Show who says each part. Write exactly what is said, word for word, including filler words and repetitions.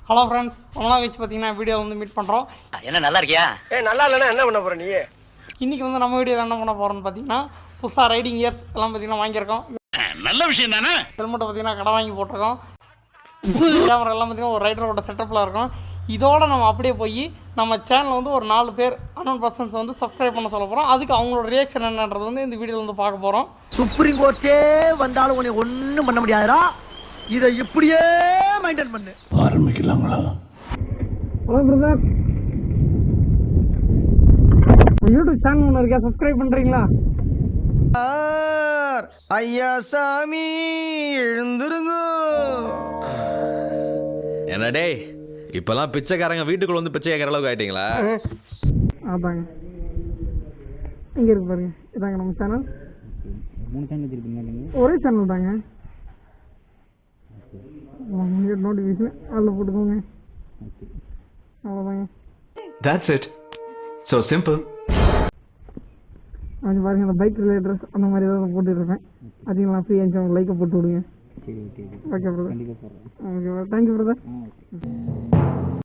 Speaker 1: Hello friends, ரொம்ப நாள் கழிச்சு பார்த்தீங்கன்னா வீடியோ வந்து மீட் பண்ணுறோம்.
Speaker 2: என்ன நல்லா இருக்கியா?
Speaker 3: ஏ நல்லா இல்லைன்னா என்ன பண்ண போகிற நீ?
Speaker 1: இன்றைக்கி வந்து நம்ம வீடியோவில் என்ன பண்ண போகிறோம்னு பார்த்தீங்கன்னா புதுசாக ரைடிங் இயர்ஸ் எல்லாம் பார்த்தீங்கன்னா வாங்கியிருக்கோம்.
Speaker 2: நல்ல விஷயம் தானே.
Speaker 1: ஹெல்மெட்டை பார்த்தீங்கன்னா கடை வாங்கி போட்டிருக்கோம். கேமரா எல்லாம் பார்த்தீங்கன்னா ஒரு ரைடரோட செட்டப்பில் இருக்கும். இதோடு நம்ம அப்படியே போய் நம்ம சேனலில் வந்து ஒரு நாலு பேர் அன்னோன் பர்சன்ஸ் வந்து சப்ஸ்கிரைப் பண்ண சொல்ல போகிறோம். அதுக்கு அவங்களோட ரியாக்ஷன் என்னன்றது வந்து இந்த வீடியோவில் வந்து பார்க்க போகிறோம்.
Speaker 3: சுப்ரீம் கோர்ட்டே வந்தாலும் உன்னை ஒன்றும் பண்ண முடியாதுடா. இதை இப்படியே மெயின்டைன் பண்ணு.
Speaker 4: ஆரம்பிக்கலாங்களா?
Speaker 1: ஹலோ பிரதர், யூடியூப் சேனல் ஒன்று இருக்கா, சப்ஸ்கிரைப் பண்ணுறீங்களா?
Speaker 3: ஐயா சாமி எழுந்துருங்க.
Speaker 5: என்ன டேய், இப்பெல்லாம் பிச்சைக்காரங்க வீட்டுக்குள்ள வந்து பிச்சை கேட்கற அளவுக்கு ஆயிட்டீங்களா?
Speaker 1: அதாங்க இங்கே இருக்கு பாருங்க, இதாங்க நம்ம சேனல்.
Speaker 6: மூணு சேனல் வச்சிருப்பீங்க?
Speaker 1: ஒரே சேனல் தாங்க. நோட்டிஃபிகேஷன் அதில் போட்டுக்கோங்க, அவ்வளோதாங்க.
Speaker 4: That's it. So simple.
Speaker 1: அது பாருங்க, அந்த பைக் ரிலேட்டட் அந்த மாதிரி ஏதாவது போட்டுருப்பேன். அதையும் நான் ஃப்ரீ ஆச்சு லைக்கை போட்டு விடுங்க.
Speaker 6: சரி ஓகே
Speaker 1: ஓகே பிரதர்.
Speaker 6: கண்டிப்பாக போடுறேன்.
Speaker 1: Okay brother, thank you brother.